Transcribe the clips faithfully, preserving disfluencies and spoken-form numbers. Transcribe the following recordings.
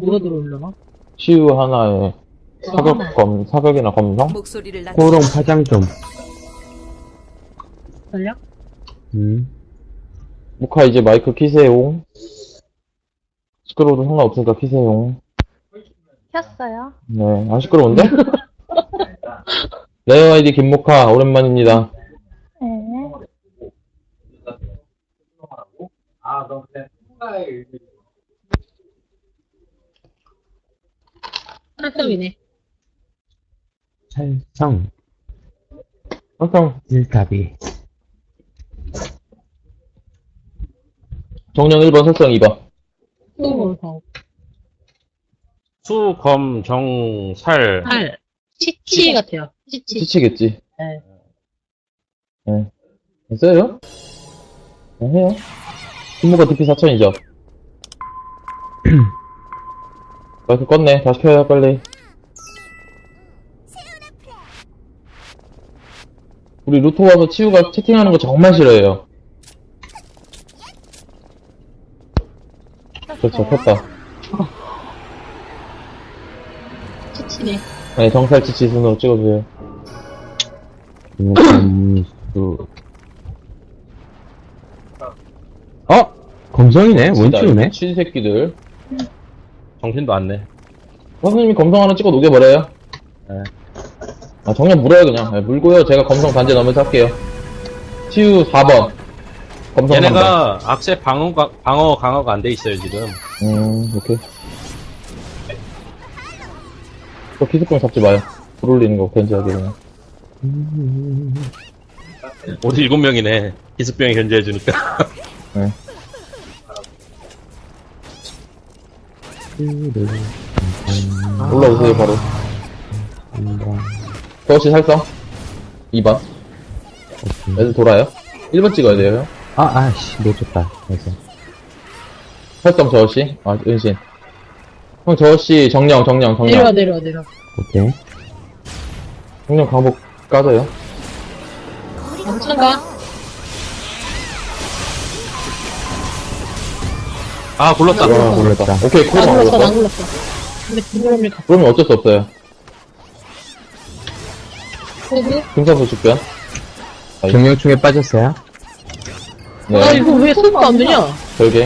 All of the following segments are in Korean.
뭐가 들어오려나? 치유 하나에 사격 검, 사격이나 검성? 목소리를 낮 호롱 파장 좀. 살려? 음. 무카 이제 마이크 키세요. 시끄러워도 상관없으니까 키세요. 켰어요. 네, 안 시끄러운데? 레어 아이디 김모카, 오랜만입니다. 네. 한성이네. 찰성. 항상 일탑이. 정령 일 번, 설정 이 번. 또 수, 검, 정, 살. 팔. 치치 같아요. 치치. 치치겠지. 네. 네. 됐어요? 네, 해요. 김모카 디피 사천이죠. 마이크 껐네. 다시 켜요, 빨리. 우리 루토 와서 치우가 채팅하는 거 정말 싫어해요. 그렇죠, 켰다. 치치네. 네, 정살 치치 순으로 찍어주세요. 검수. 어? 검성이네? 원치우네? 치 새끼들. 정신도 안 내. 선생님이 검성 하나 찍어 녹여버려요. 네. 아, 정령 물어요, 그냥. 네, 물고요. 제가 검성 반지 넘어서 할게요. 치유 사 번. 검성 삼 번. 얘네가 악세 방어가, 방어 강화가 안 돼 있어요, 지금. 음, 오케이. 또 기습병 잡지 마요. 불 올리는 거 견제하게 그냥. 우리 일곱 명이네. 기습병이 견제해주니까. 네. 올라오세요, 바로. 더시 살성. 이 번. 애들 돌아요. 일 번 찍어야 돼요, 형. 아, 아씨, 놓쳤다. 그래서. 살성 저어씨. 아, 은신. 형, 저어씨, 정령, 정령, 내려와, 정령. 내려와, 내려와. 오케이. 정령 강복 까져요. 괜찮가? 아, 굴렀다. 와, 몰랐다. 오케이, 나 코로나 굴렀어, 나 올랐어. 굴렀어. 근데 그거를 갖고 그러면 어쩔 수 없어요. 오고. 금산소 축변. 경영충에 빠졌어요? 아, 네, 이거 왜 소리가 안 되냐? 별개.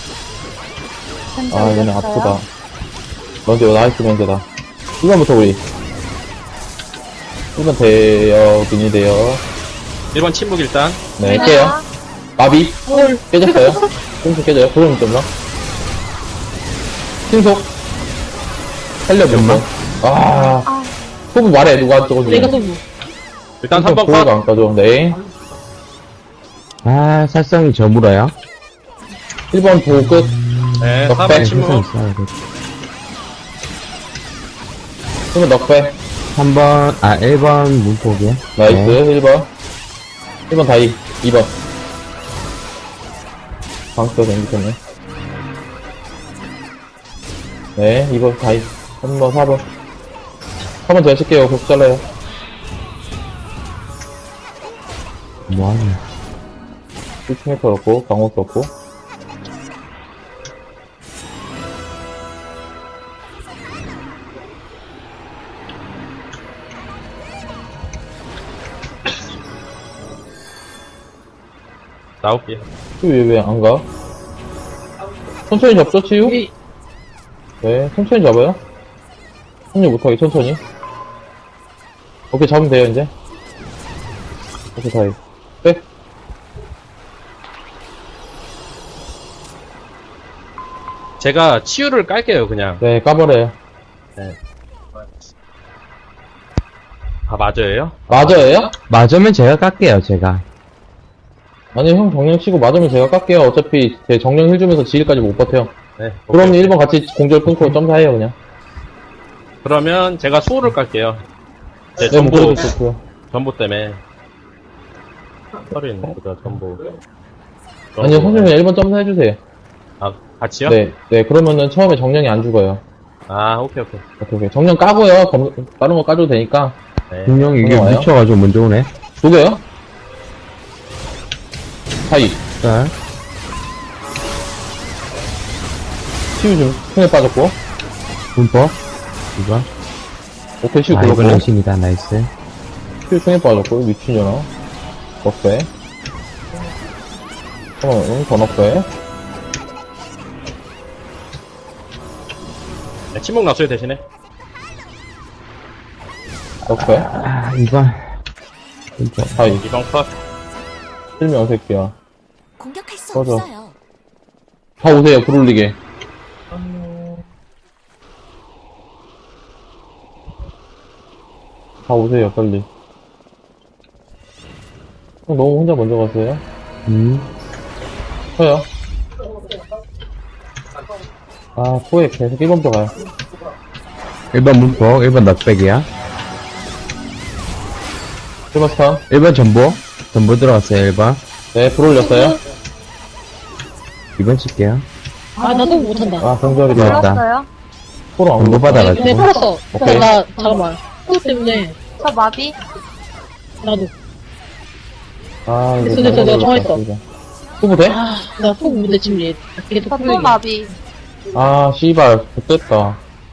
아, 얘네 아프다. 먼저, 나이스 면제다. 일 번부터 우리. 일 번 돼요, 빈이 돼요. 일 번 침묵 일단. 네, 깨요. 마비. 헐. 깨졌어요. 꽁수 깨져요. 그럼 좀 더. 신속. 살려, 몇번 아. 소부 말해, 누가 저거 내가 소부. 일단 삼 번 보호가 컷. 안 까줘. 네. 아, 살성이 저물어요? 일 번 보호 끝. 네, 넉 사 백. 번 침묵. 있어야 돼. 일 번 넉배. 삼 번, 아, 일 번 문폭이요? 나이스. 네. 일 번. 일 번 다이. 이 번. 방스가 생겼네. 네, 이 번 다이. 삼 번, 사 번. 사 번 제가 칠게요. 계속 잘라요. 뭐하냐. 일 썼고, 강호 썼고. 나올게요. 치유 왜, 왜 안 가? 천천히 잡죠, 치유? 여기, 네, 천천히 잡아요. 합류 못하게 천천히. 오케이, 잡으면 돼요, 이제. 오케이, 다이. 백. 제가 치유를 깔게요, 그냥. 네, 까버려요. 아, 맞아요? 맞아요? 맞으면 제가 깎게요, 제가. 아니, 형 정령 치고 맞으면 제가 깎게요. 어차피 제 정령 힐 주면서 지일까지 못 버텨요. 네. 그럼 오케이. 일 번 같이 공절 끊고 점사해요, 그냥. 그러면 제가 수호를 깔게요. 네, 네, 전보, 목소리도 좋고요. 전보 때문에. 서린, 보다 전보. 아니요, 선생님 일 번 점사해주세요. 아, 같이요? 네, 네, 그러면은 처음에 정령이 안 죽어요. 아, 오케이, 오케이. 오케이, 오케이. 정령 까고요. 검, 다른 거 까줘도 되니까. 네. 분명 이게 와요? 묻혀가지고 먼저 오네. 녹여요? 사이. 자, 치유 좀, 손에 빠졌고. 문법. 이번. 오케이, 슈 아, 이번 들었고. 랭심이다. 나이스. 슈 통에 빠졌고, 미친년아. 넉배. 어, 응, 더 넉배. 네, 침묵 났어요, 대신에. 넉배. 아, 이번. 문법. 하이. 이번 컷. 실명 새끼야. 공격할 수 꺼져. 없어요. 다 오세요, 불 올리게. 다 오세요, 빨리. 형, 너무 혼자 먼저 갔어요? 음. 쳐요. 아, 포에 계속 일 번부터 가요. 일 번 문법. 일 번 넉백이야. 일 번 스탄. 일 번 전보. 전보 들어갔어요, 일 번. 네, 불 올렸어요. 이 번 칠게요. 아, 나도 못한다. 아, 정답이다. 들어왔다. 들었어요? 포로 안 전보 올렸다. 받아가지고. 네, 풀었어. 오케이. 나, 잠깐만. 그것 때문에, 저 마비? 나도. 아, 이거 됐어, 됐어, 내가 잘못 정했어. 올렸다. 후보 돼? 아, 나 속 근데 지금 얘, 계속 저 또 풀리게. 마비. 아, 씨발, 좋됐다.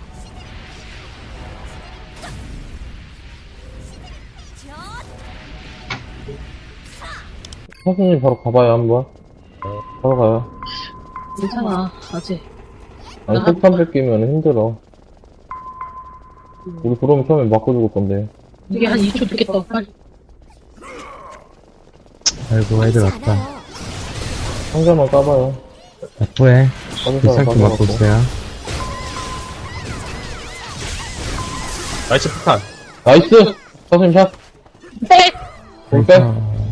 선생님 바로 가봐요, 한번. 바로 가요. 괜찮아, 아직. 아니, 폭탄 뺏기면 힘들어. 우리 그러면 처음에 맞고 죽을 건데. 이게 한 이 초 듣겠다, 빨리. 아이고, 애들 보이지 왔다. 않아요. 상자만 까봐요. 나쁘해. 빠진 사람 비상도 빠져갖고. 맞고 있어요. 나이스 폭탄. 나이스! 선생님 샷! 네! 공 빼!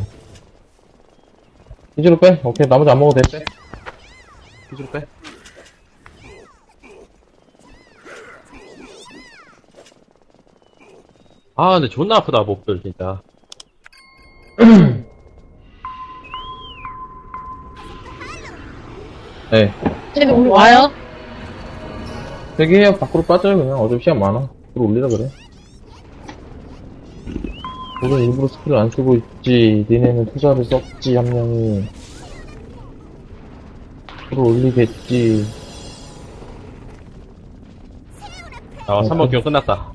기지로 빼! 오케이, 나머지 안 먹어도 돼. 기술 빼. 아, 근데 존나 아프다, 몹들, 진짜. 네. 쟤네 오늘 와요? 대기해요. 밖으로 빠져요, 그냥. 어차피 시간 많아. 들어 올리라 그래. 우린 일부러 스킬을 안 쓰고 있지. 니네는 투자를 썼지, 한 명이. 들어 올리겠지. 아, 삼 번 기용 끝났다.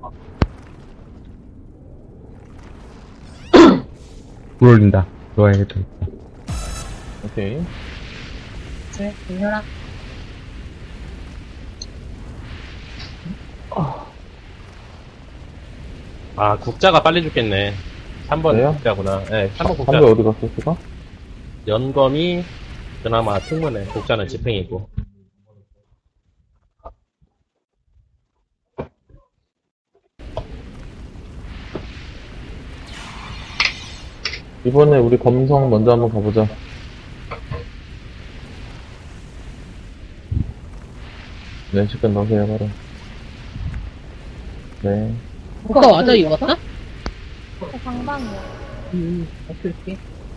불 올린다. 좋아해야겠다. 오케이. 그래, 괜찮아. 아, 국자가 빨리 죽겠네. 삼 번 그래요? 국자구나. 예, 네, 삼 번 국자. 한배 어디 갔어, 지가? 연검이 그나마 충분해. 국자는 지팽이고. 이번에 우리 검성 먼저 한번 가보자. 네, 시간 넣으세요, 바로. 네. 오빠 맞아, 이거 같다? 저 상방이요. 음, 오케이, 오케이.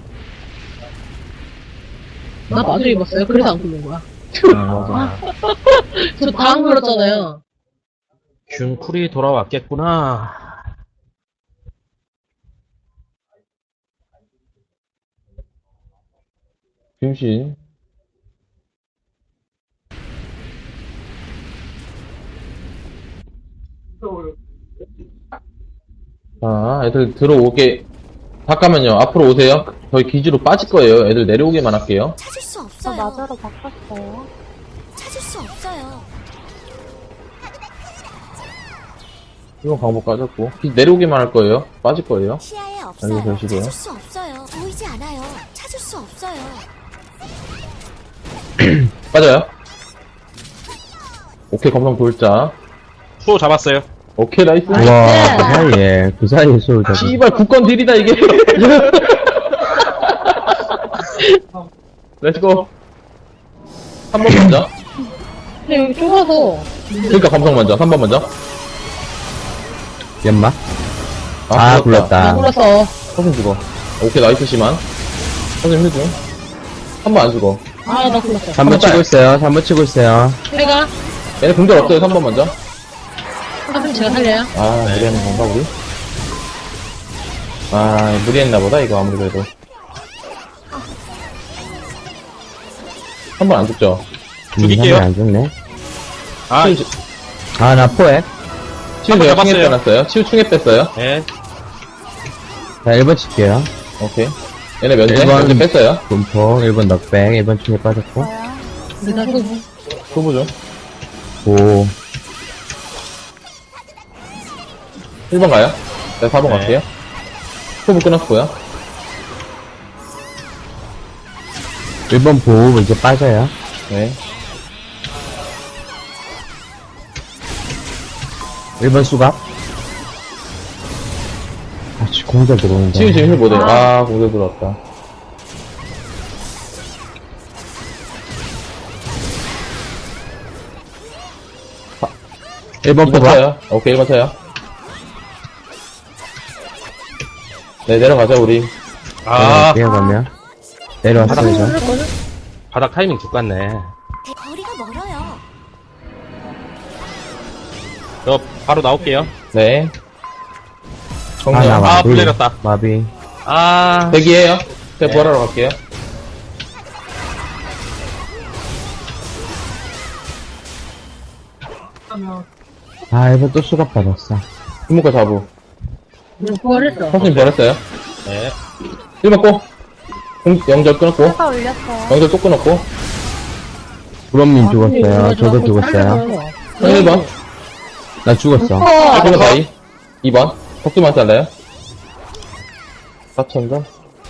나 마저 입었어요. 그래서 안 굴른 거야. 맞아. 저 다 안 굴렀잖아요. 균쿨이 돌아왔겠구나. 김신. 자, 애들 들어오게. 잠깐만요. 앞으로 오세요. 저희 기지로 빠질 거예요. 애들 내려오게만 할게요. 찾을 수 저 없어요. 마저로 바꿨어요. 찾을 수 없어요. 이건 방법 까졌고. 기지 내려오게만 할 거예요. 빠질 거예요. 시야에 알고 없어요. 계시고요. 찾을 수 없어요. 보이지 않아요. 찾을 수 없어요. 빠져요. 오케이, 검성 돌자. 수호 잡았어요. 오케이, 나이스. 와, 그 사이에, 그 사이에 수를 잡아. 씨발, 국건 딜이다, 이게. 렛츠고. 삼 번 먼저. 근데 여기 좁아서. 그러니까 검성 먼저. 삼 번 먼저. 연마? 아, 나 굴렀다. 굴렀어. 서진 죽어. 오케이, 나이스 시만. 서진 휴중. 한 번 안 죽어. 아, 나 굴렀어. 삼 번 치고 있어요. 삼 번 치고 있어요. 내가, 얘네 공격 없어요, 삼 번 먼저. 그럼 제가 살려요. 아, 무리하는 건가, 우리? 아, 무리했나 보다, 이거 아무래도. 한 번 안 죽죠? 음, 죽일게요. 안 죽네. 아, 실- 아, 나 포획. 치유 한번 제가 충에 잡았어요. 빼놨어요. 치유 충에 뺐어요. 네. 자, 일 번 칠게요. 오케이. 얘네 면제, 일 번. 면제 뺐어요. 분포, 일 번 넉백, 일 번 충에 빠졌고. 뭐야? 일단 후보. 후보 좀. 오. 일 번 가요. 네, 사 번 네. 갈게요. 후보 끊었고요. 일 번 보호 이제 빠져요. 네. 일 번 수갑. 아, 씨, 공자 들어오는데. 치유 지금 힐 못해요. 아, 공대 들어왔다. 일 번 일 번 포가. 쳐요. 오케이, 일 번 쳐요. 네, 내려가자, 우리. 아, 뛰어가면. 내려왔어요, 저. 바닥 타이밍 죽겠네. 대- 거리가 멀어요. 저 바로 나올게요. 네. 아, 정리요. 나 아, 마비. 불내렸다. 마비. 아, 대기해요. 제가 네. 부활하러 갈게요. 아, 일 번 또 수갑 받았어. 이목과 자부. 이거 부활했어. 선생님 부활했어요. 네. 일 번 꼬. 공, 영절 끊었고. 회사 올렸어요. 영절 또 끊었고. 구럼님 죽었어요. 저도 죽었어요. 일 번. 나 죽었어. 일 번 다이. 이 번. 덕수만 잘라요. 사천 점.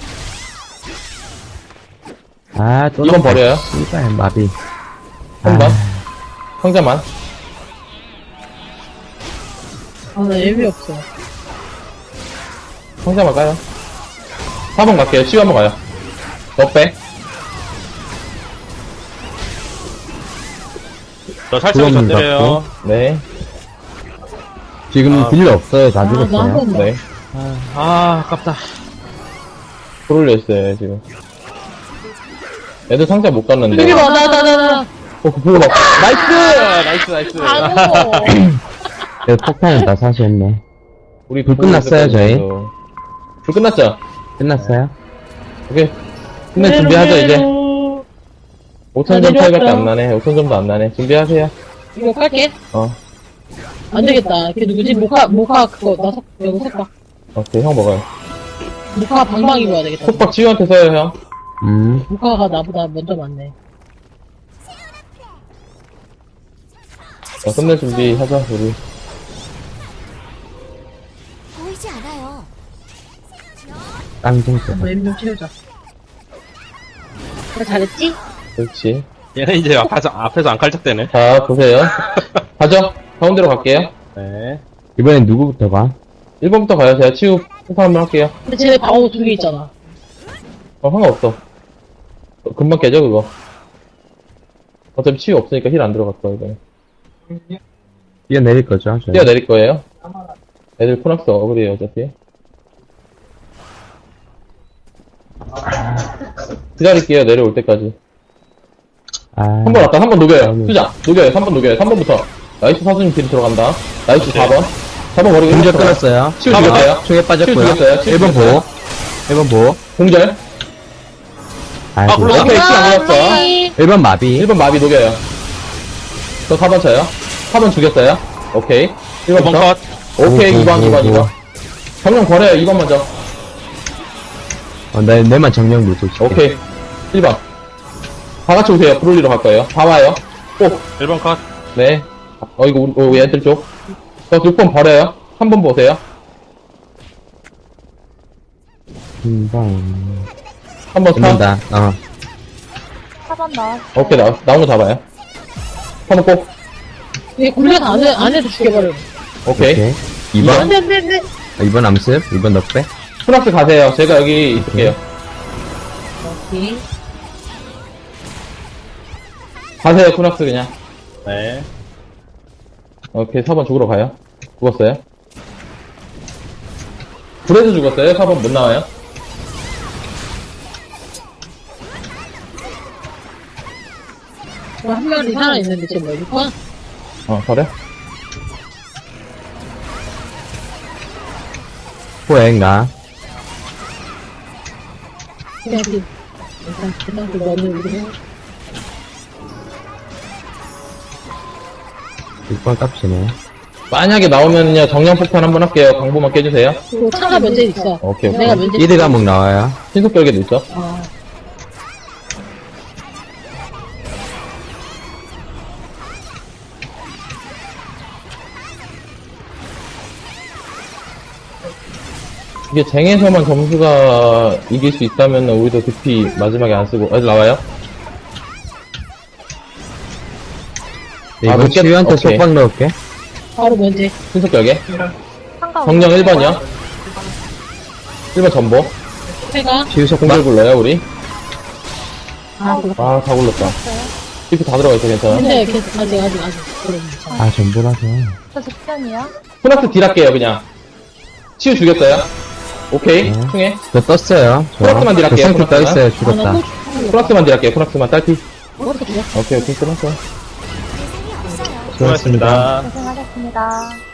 아, 또. 이 번 버려요. 씨발, 마비. 삼 번. 아, 상자만. 아, 나 예비 없어. 상자만 까요. 사 번 갈게요. 치유 한번 가요. 너 빼. 저 살짝이 그럼 전드려요. 네. 지금 아. 딜러 없어요. 다 아, 나한 죽었어요. 번만. 네. 아, 아깝다. 풀을 냈어요, 지금. 애들 상자 못 갔는데. 여기 봐, 나, 나, 나, 나. 어, 그 보고 막. 나이스! 나이스, 나이스. 아고. 네, 폭탄은 다 사시했네. 우리 불 끝났어요, 저희? 불 끝났죠? 끝났어요? 오케이. 끝내 준비하자, 이제. 오천 점 차이밖에 안 나네. 오천 점도 안 나네. 준비하세요. 이거 깔게. 어. 안 되겠다. 걔 누구지? 모카, 모카 그거, 나 석, 이거 석박. 오케이, 형 먹어요. 모카 방방 입어야 되겠다. 속박 치유한테 써요, 형. 음. 모카가 나보다 먼저 왔네. 자, 끝낼 준비하자, 우리. 보이지 않아요. 깡통 때. 한번 예비 좀 채우자. 그래, 잘했지? 그렇지. 얘는 이제 앞에서, 앞에서 안 칼짝대네. 자, 보세요. 가죠. 가운데로 갈게요. 네. 이번엔 누구부터 가? 일 번부터 가요. 제가 치유 폭파 한번 할게요. 근데 쟤네 방어 두 개 있잖아. 어, 상관없어. 어, 금방 깨져, 그거. 어차피 치유 없으니까 힐 안 들어갔어, 이거. 뛰어내릴 거죠? 저희? 뛰어내릴 거예요. 애들 코낙스 어그리에요, 어차피. 기다릴게요, 내려올 때까지. 아. 한 번 왔다, 한 번 녹여요. 음. 수자, 녹여요, 삼 번 녹여요, 삼 번부터. 나이스 사수님 딜 들어간다. 나이스 오케이. 사 번. 사 번 버리고 공절 일 번 들어가요. 끊었어요. 치유 죽였어요. 총에 치유 빠졌고요. 죽였어요. 치유 일 번 죽였어요. 보호. 일 번 보호. 공절. 아이고. 굴러- 오케이, 치유 안 아, 걸렸어. 일 번 마비. 일 번 마비 녹여요. 저 사 번 쳐요. 사 번 죽였어요. 오케이. 일 이 번 번부터. 컷. 오케이, 오, 이 번, 오, 이 번, 오, 이 번. 정령 버려요, 이 번 먼저. 어, 나, 내만 정령 밀고 있을게. 오케이. 일 번. 다 같이 오세요. 브롤리로 갈 거예요. 다 와요. 꼭. 일 번 컷. 네. 어, 이거, 우리, 어, 얘들 쪽. 저 육 번 버려요. 삼 번 보세요. 금방. 한 번 차. 끝난다. 어. 사 번 나왔어요. 오케이, 나, 나온 거 잡아요. 한 번 꼭. 얘 굴려서 안, 해, 안 해도 죽여버려. 오케이. 오케이. 이 이 번. 번. 안 돼, 안 돼, 안 돼. 이 번 암습. 이 번 넉배. 프락스 가세요. 제가 여기 있을게요. 오케이. 가세요, 프락스 그냥. 네. 오케이, 사 번 죽으러 가요. 죽었어요. 불에서 죽었어요. 사 번 못 나와요. 한 명이 살아있는데 지금 뭐, 육 번? 어, 버려. 포획가. 그냥 그, 일단, 일단 그 너는 우리 육 번 깝치네. 만약에 나오면요, 정량폭탄 한번 할게요. 강보만 깨주세요. 그 차가 면제 있어. 오케이, 오케이. 내가 면제. 이드 과목 나와요. 신속결계도 있어. 어. 이게 쟁에서만 점수가 이길 수 있다면 우리도 득피 마지막에 안 쓰고. 어디 나와요? 네, 아, 이거 늦게- 치유한테 오케이. 속박 넣을게. 바로 면제. 신속결계. 한가 정령 일 번이요. 일 번 전보. 해가. 치유 속박. 공절 굴러요, 우리. 아, 그거. 아, 다 굴렀다. 삐프 다 들어가 있어, 괜찮아. 근데 계속 아직, 아직, 아직. 그래, 괜찮아. 아, 전부라서. 저 직전이요. 프락스 딜 할게요, 그냥. 치유 죽였어요. 오케이, 네. 충해. 저 떴어요. 저. 프락스만 딜 할게요, 저 생크 프락스만. 떠있어요. 아, 나 죽었다. 또 프락스만 딜 할게요, 프락스만. 딸피. 그것도 죽였어. 오케이, 오케이, 끝났어. 대상이 없어요. 수고하셨습니다. 고생하셨습니다.